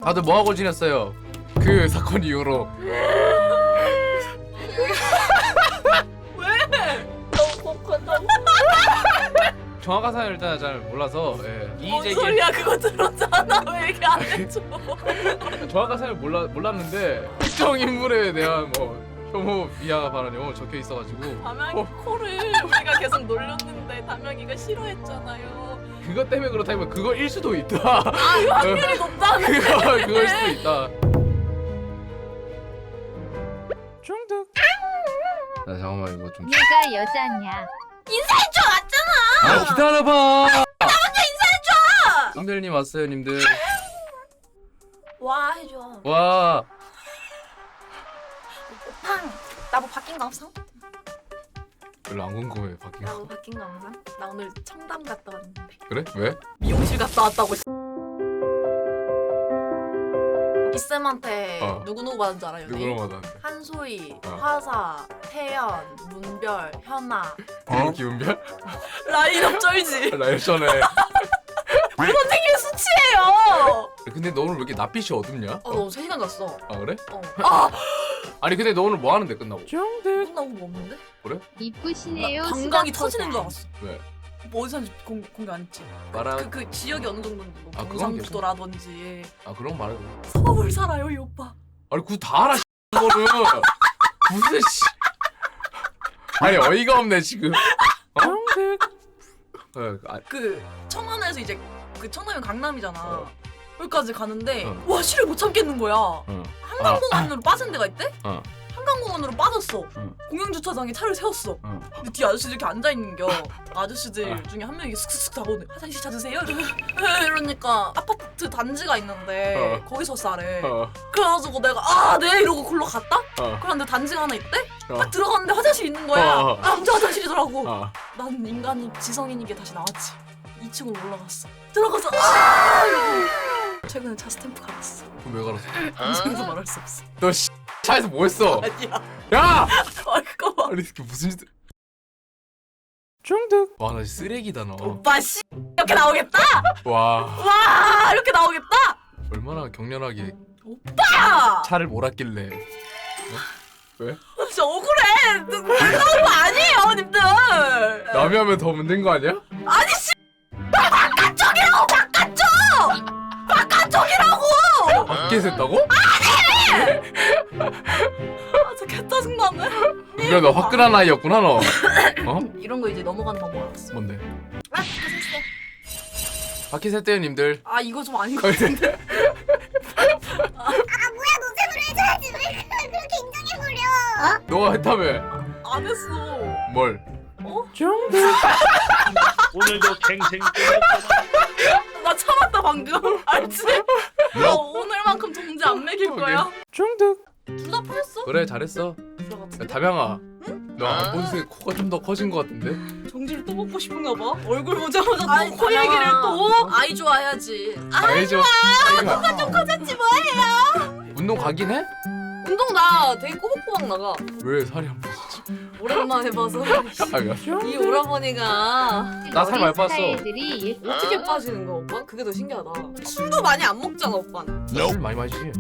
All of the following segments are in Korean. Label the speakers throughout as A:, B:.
A: 다들 뭐하고 지냈어요? 그 사건 이후로. 정확한 사연을 일단 잘 몰라서
B: 뭔 소리야 그거 들었잖아. 왜 얘기 안 해줘.
A: 정확한 사연을 몰랐는데 특정 인물에 대한 뭐 혐오 비하 발언이 적혀 있어가지고
B: 담양이 코를 우리가 계속 놀렸는데 담양이가 싫어했잖아요.
A: 그것 때문에 그렇다면 그거일 수도 있다.
B: 아 이거 확률이 높다는
A: 그거일 수도 있다. 중독. 나 잠깐만 이거 좀.
C: 얘가 여자냐?
B: 인사해줘 왔잖아.
A: 아 기다려봐.
B: 나 먼저 인사해줘.
A: 님들님 왔어요 님들.
B: 와 해줘.
A: 와.
B: 팡. 나 뭐 바뀐 거 없어?
A: 별로 안 궁금해 바뀐
B: 나
A: 거.
B: 뭐 바뀐 거 없어? 나 오늘 청담 갔다 왔는데.
A: 그래? 왜?
B: 미용실 갔다 왔다고. 이쌤한테 누구 받은 줄 알아요?
A: 누구랑 받았는데?
B: 한소희,
A: 어.
B: 화사, 태연, 문별, 현아.
A: 기운별?
B: 라인업 쩔지.
A: 나 예전에.
B: 선생님 수치예요.
A: 근데 너 오늘 왜 이렇게 낯빛이 어둡냐?
B: 너 3시간 잤어.
A: 아 그래?
B: 아!
A: 아니 근데 너 오늘 뭐 하는데 끝나고?
B: 끝나고 뭐 없는데?
C: 이쁘시네요.
B: 방광이
C: 수박보다.
B: 터지는 줄 알았어.
A: 왜?
B: 뭐 어디서 하는지 공개 안 했지.
A: 말아.
B: 그 지역이 어느 정도인지 뭐
A: 아, 그건
B: 경상북도라든지.
A: 아 그런 거 말해.
B: 서울 살아요 이 오빠.
A: 아니 그거 다 알아. 그거는 무슨 씨. 아니 어이가 없네 지금.
B: 그 청하나에서 이제 그 청라면 강남이잖아. 여기까지 가는데
A: 어.
B: 와 실을 못 참겠는 거야. 한강공원으로 빠진 데가 있대?
A: 어.
B: 한강공원으로 빠졌어. 공영주차장에 차를 세웠어. 근데 뒤에 아저씨들 이렇게 앉아있는겨. 아저씨들 중에 한 명이 슥슥슥 다가오네. 화장실 찾으세요? 이러니까 아파트 단지가 있는데 거기서 싸래. 그래가지고 내가 네 이러고 글로 갔다? 그런데 단지가 하나 있대? 딱 들어갔는데 화장실 있는 거야. 남자 화장실이더라고. 난 인간이 지성인이게 다시 나왔지. 2층으로 올라갔어. 들어가서 이러고. 최근에 차 스탬프 갈았어.
A: 그럼 왜 갈았어?
B: 방송에서 말할 수 없어.
A: 너 차에서 뭐 했어?
B: 아니야.
A: 야!
B: 그거 봐.
A: 아니 이게 무슨 짓? 중독. 와 나 쓰레기다 너.
B: 오빠 씨 이렇게 나오겠다?
A: 와
B: 와 이렇게 나오겠다?
A: 얼마나 격렬하게
B: 오빠!
A: 차를 몰았길래. 왜?
B: 진짜 억울해. 나온 거 아니에요 님들.
A: 남이 하면 더 문제인 거 아니야?
B: 아니 씨 바깥쪽이라고 바깥쪽! 바깥쪽이라고!
A: 밖에서 했다고?
B: 저 개짜증나네.
A: 그래 너 화끈한 아이였구나 너. 어?
B: 이런 거 이제 넘어가는 방법 알았어.
A: 뭔데?
B: 아 됐어.
A: 밖에서 했대요 님들.
B: 아 이거 좀 아닌 것 같은데.
A: 너가 했다며.
B: 안 했어.
A: 뭘?
B: 어?
D: 오늘도 갱생
B: 나 참았다 방금. 알지? 너 오늘만큼 정지 안 매길 거야.
A: 중독.
B: 둘 다 풀었어?
A: 그래 잘했어.
B: 둘 다
A: 야,
B: 같은데?
A: 담양아. 너 안 본 새 코가 좀 더 커진 거 같은데?
B: 정지를 또 먹고 싶은가 봐. 얼굴 보자마자
E: 아이,
B: 또 코 얘기를 또.
E: 아이 좋아해야지.
A: 알죠.
B: 코가 좀 커졌지 뭐예요?
A: 운동 가긴 해?
E: 운동 나 되게 꼬박꼬박 나가.
A: 왜 살이 안 빠지지?
E: 오랜만에 봐서
A: 아이고.
E: 이 오라버니가
A: 나살 많이 빠졌어.
C: 스타일들이
E: 어떻게 빠지는 거야 오빠? 그게 더 신기하다. 술도 많이 안 먹잖아 오빠는.
A: 술 많이 마시지.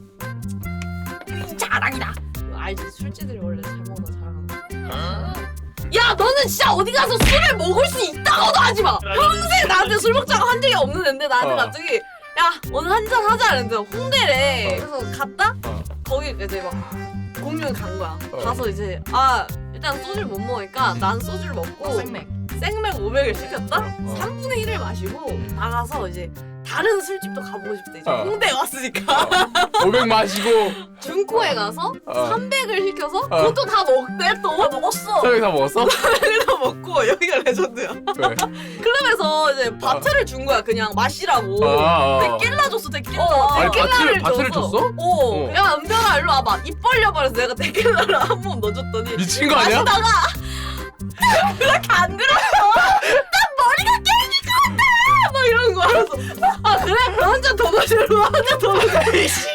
E: 자랑이다. 알지 술집들이 원래 잘 먹나 자랑하는 거. 야 너는 진짜 어디 가서 술을 먹을 수 있다고도 하지 마. 평생 나한테 술 먹자고 한 적이 없는 애인데 나한테 갑자기 야 오늘 한잔 하자 이랬는데 홍대래. 그래서 갔다? 거기 이제 막 공유를 간 거야. 가서 이제 일단 소주를 못 먹으니까 난 소주를 먹고 생맥 500을 시켰다? 3분의 1을 마시고 나가서 이제 다른 술집도 가보고 싶대. 이제 홍대에 왔으니까
A: 500 마시고
E: 중코에 가서 300을 시켜서 그것도 다 먹대 또.
B: 다 먹었어.
A: 서영이 다 먹었어?
E: 다 먹고 여기가 레전드야.
A: 왜?
E: 클럽에서 이제 바트를 준 거야 그냥 마시라고.
B: 데킬라 줬어 데킬라.
A: 아니
E: 데킬라를
A: 바트를 줬어?
E: 어. 야 은별아 일로 와봐. 입 벌려봐. 그래서 내가 데킬라를 한 번 넣어줬더니
A: 미친 거 아니야?
E: 마시다가 그렇게 안 들었어. 난 머리가 깨질 것 같다. 막 이러는 거야. 그래서 그래? 그럼 한 잔 더 마시려고 한 잔 더 마시려고.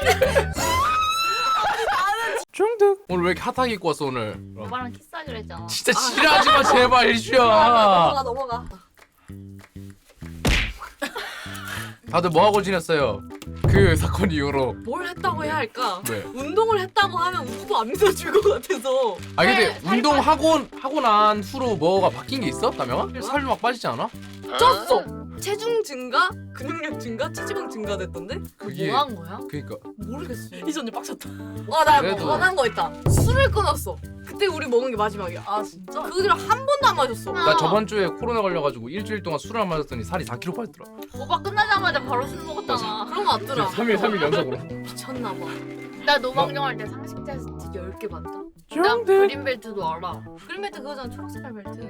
A: 중독. 오늘 왜 이렇게 핫하게 입고 왔어 오늘?
C: 오빠랑 키스하기로 했잖아.
A: 진짜 지랄하지 마 제발 일주야.
E: 넘어가.
A: 다들 뭐 하고 지냈어요? 그 사건 이후로.
E: 뭘 했다고 해야 할까?
A: 왜?
E: 운동을 했다고 하면 누구도 안 믿어줄 것 같아서.
A: 아 근데 운동 하고 난 후로 뭐가 바뀐 게 있어? 다명아? 살이 막 빠지지 않아?
E: 쪘어. 체중 증가, 근육량 증가, 체지방 증가됐던데?
A: 그게
C: 뭐 한 거야?
A: 그니까
E: 모르겠어.
B: 희지 언니 빡쳤다.
E: 나
A: 그래도-
E: 원한 거 있다. 술을 끊었어. 그때 우리 먹은 게 마지막이야.
B: 아 진짜?
E: 그 뒤로 한 번도 안 마셨어.
A: 나 저번 주에 코로나 걸려가지고 일주일 동안 술을 안 마셨더니 살이 4kg 빠졌더라.
C: 오빠 끝나자마자 바로 술 먹었잖아.
E: 그런 거 같더라.
A: 3일 연속으로.
E: 미쳤나 봐.
C: 나 노방정 할 때 상식 테스트 10개 봤다. 나 그린벨트도 알아.
E: 그린벨트 그거잖아. 초록색깔 벨트.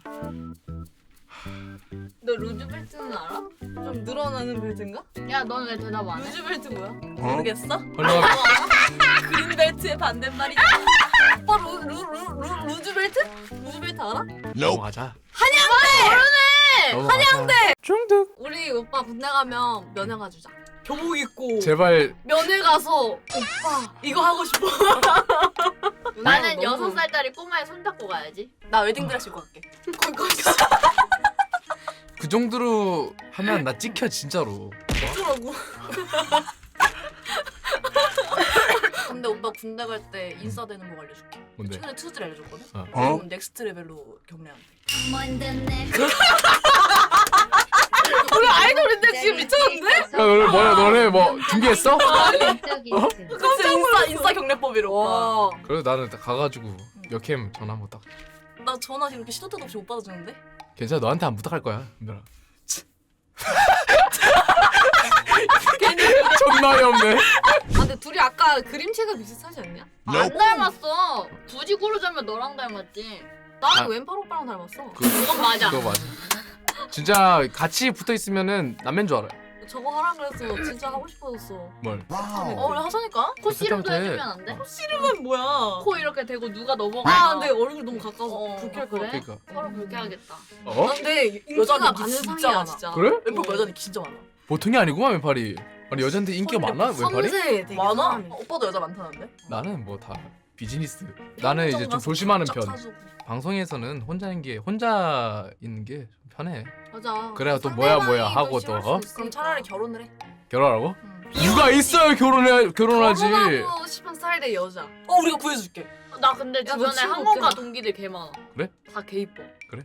E: 너 루즈벨트는 알아? 좀 늘어나는 벨트인가?
C: 야, 넌 왜 대답 안 해?
E: 루즈벨트 뭐야?
B: 모르겠어?
A: 헐렁아.
B: 그린벨트의 반대말이
E: 오빠 루즈벨트? 루즈벨트 알아?
A: 넘어가자.
E: 한양대!
A: 한양대. 중득.
E: 우리 오빠 군대 가면 면회 가주자. 교복 입고
A: 제발.
E: 면회 가서 오빠 이거 하고 싶어.
C: 나는
E: 너무-
C: 6살짜리 꼬마에 손잡고 가야지.
B: 나 웨딩드레스 입고 갈게.
E: 거기까지
A: 그 정도로 하면 나 찍혀 진짜로.
E: 하더라고.
B: 근데 오빠 군대 갈 때 인싸 되는 거 알려줄게.
A: 뭔데?
B: 최근에 투즈를 알려줬거든?
A: 어.
B: 그럼 넥스트 레벨로 경례한대.
E: 우리 아이돌인데 지금 미쳤는데?
A: 야 너네 뭐 준비했어?
B: 진짜 인싸 경례법이래 오빠.
E: 와.
A: 그래서 나는 딱 가가지고 역캠 전화 한번 딱.
B: 나 전화 이렇게 시도 때도 없이 못 받아주는데?
A: 괜찮아 너한테 안 부탁할 거야 은별아. 존나 어이없네.
E: 아 근데 둘이 아까 그림체가 비슷하지 않냐?
C: 안 닮았어. 굳이 고르자면 너랑 닮았지.
E: 나는
A: 아.
E: 왼팔 오빠랑 닮았어.
C: 그건 맞아.
A: 그거 맞아. 진짜 같이 붙어 있으면은 남매인 줄 알아.
E: 저거 하라 그래서 진짜 하고 싶어졌어.
A: 뭘?
B: 어 그래 하자니까?
C: 코 씨름도
A: 그때부터 해.
C: 해주면 안 돼?
E: 이름은 뭐야?
C: 코 이렇게 대고 누가 넘어가.
E: 아 근데 얼굴 너무 가까워서
B: 어,
E: 불쾌할 것
C: 그래?
E: 같아.
A: 그러니까.
C: 서로 그렇게 하겠다.
A: 어?
E: 아, 근데 인기가
B: 여자는
E: 많은
B: 진짜
E: 상이야
B: 많아.
E: 진짜.
A: 그래?
B: 왼팔 여자는 진짜 많아.
A: 보통이 아니구만 왼팔이. 아니 여자한테 인기가 많나 왼팔이?
E: 섬세 되게
B: 많아?
E: 사람이.
B: 오빠도 여자 많다는데?
A: 나는 뭐 다 비즈니스. 나는 이제 좀 조심하는 편.
B: 사주고.
A: 방송에서는 혼자 있는 게 좀 편해.
E: 맞아.
A: 그래야 또 뭐야
E: 상대방이
A: 하고 또,
E: 싫어할
A: 어?
E: 수도
B: 그럼
E: 있으니까.
B: 차라리 결혼을 해.
A: 결혼하라고?
B: 응.
A: 누가 있어요 결혼하지.
E: 결혼하고 싶은 스타일의 여자.
B: 우리가 구해줄게.
C: 나 근데
E: 야, 너
C: 주변에
E: 친구
C: 항공과
E: 없잖아.
C: 동기들 개 많아.
A: 그래?
C: 다 개 이뻐.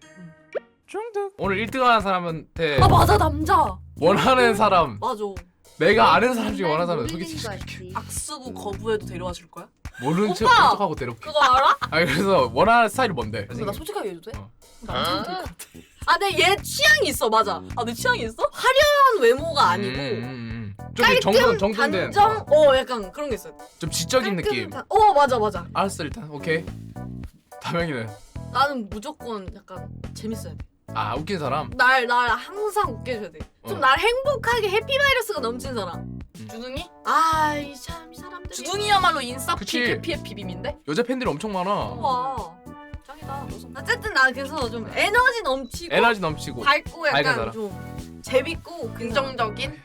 A: 중득. 오늘 1등하는 사람한테
B: 아 맞아 남자.
A: 원하는 사람,
B: 맞아.
A: 내가 아는 사람 중에 원하는 사람 소개시켜줄게.
B: 악수고 거부해도 데려와 줄 거야?
A: 모르는 척
E: 오빠!
A: 하고 데려올게.
C: 그거 알아?
A: 아 그래서 원하는 스타일이 뭔데?
B: 근데 나 솔직하게 얘기해도 돼?
A: 어.
B: 남자는 될것 같아.
E: 아 근데 얘 취향이 있어 맞아.
B: 아 내 취향이 있어?
E: 한 외모가 아니고
A: 좀 정돈된
E: 단정 약간 그런 게 있어요.
A: 좀 지적인 느낌.
E: 맞아.
A: 알았어 일단 오케이. 다명이는
E: 나는 무조건 약간 재밌어야 돼.
A: 아 웃긴 사람.
E: 날 항상 웃게 해줘야 돼. 좀
A: 어.
E: 날 행복하게 해피바이러스가 넘치는 사람.
B: 주둥이?
E: 아이 참 이 사람들이.
B: 주둥이야말로 인싸
A: 그치.
B: 대피의 비빔인데?
A: 여자 팬들이 엄청 많아.
E: 와.
B: 짱이다.
E: 어쨌든 나 그래서 좀 에너지 넘치고
A: 에너지 넘치고.
E: 밝고
A: 밝은
E: 약간
A: 사람.
E: 좀 재밌고
B: 긍정적인?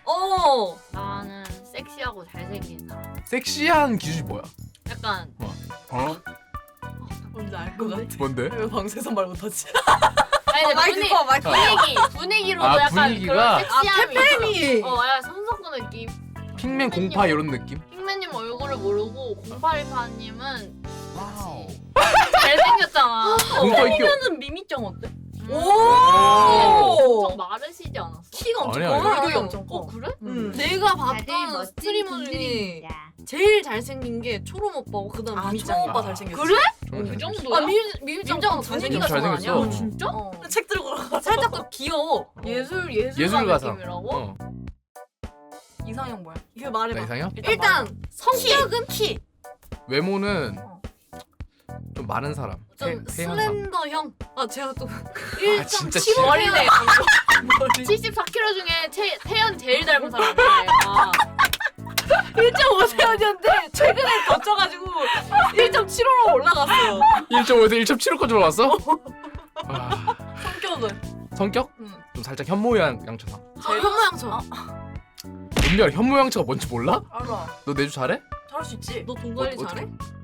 C: 나는 섹시하고 잘생긴 사람.
A: 섹시한 기준이 뭐야?
C: 약간
A: 어?
B: 뭔지 알 것 같아.
A: 뭔데?
B: 왜 방송에서 말 못하지?
C: 아니 근데
E: 마이크 꺼 마이크
C: 분위기로도
A: 아,
C: 약간
A: 분위기가?
C: 그런 섹시함이
E: 페페미.
C: 있어. 약간 손석구 느낌.
A: 핑맨 공파 이런 느낌?
C: 핑맨님 얼굴을 모르고 0828님은 잘생겼잖아.
A: 공파 있겨.
B: 그러면은 미미짱 어때?
C: 엄청 마르시지 않았어?
B: 키가 엄청
A: 아니야,
B: 커.
A: 아니야.
B: 얼굴이 엄청 커.
C: 그래?
E: 내가
C: 다들
E: 봤던
C: 멋진
E: 스트리머 중에
C: 분들입니다.
E: 제일 잘생긴 게 초롬 오빠고 그다음
B: 아
E: 미미짱이야.
B: 초롱 오빠 잘생겼어.
E: 그래?
C: 그 정도야?
E: 아 미미짱
B: 미미짱은
E: 분위기가
A: 좀
E: 좋아
A: 잘생겼어.
E: 아니야?
C: 진짜?
B: 책 들고 가.
E: 살짝 더 귀여워.
A: 예술가상.
C: 느낌이라고?
A: 어.
B: 이상형 뭐야?
E: 이거
A: 나
E: 말해봐.
A: 이상형?
E: 일단 성격은 키.
A: 외모는
B: 어.
A: 좀 많은 사람.
E: 좀
A: 태연상.
E: 슬렌더형. 아 제가 또
A: 아, 진짜
E: 1.75
C: 머리네.
E: 머리.
C: 74kg 중에 태연 제일 닮은 사람이야.
E: 1.5세였는데 최근에 더 쪄가지고 1.75로 올라갔어요.
A: 1.5에서 1.75까지 올라왔어? 아,
B: 성격은?
A: 성격?
B: 응.
A: 좀 살짝 현모양처상.
E: 제일 현모양처럼.
A: 은별 현모양처가 뭔지 몰라?
B: 알아.
A: 너 내주 잘해?
B: 잘할 수 있지.
E: 너 돈 관리
A: 어떻게?
E: 잘해?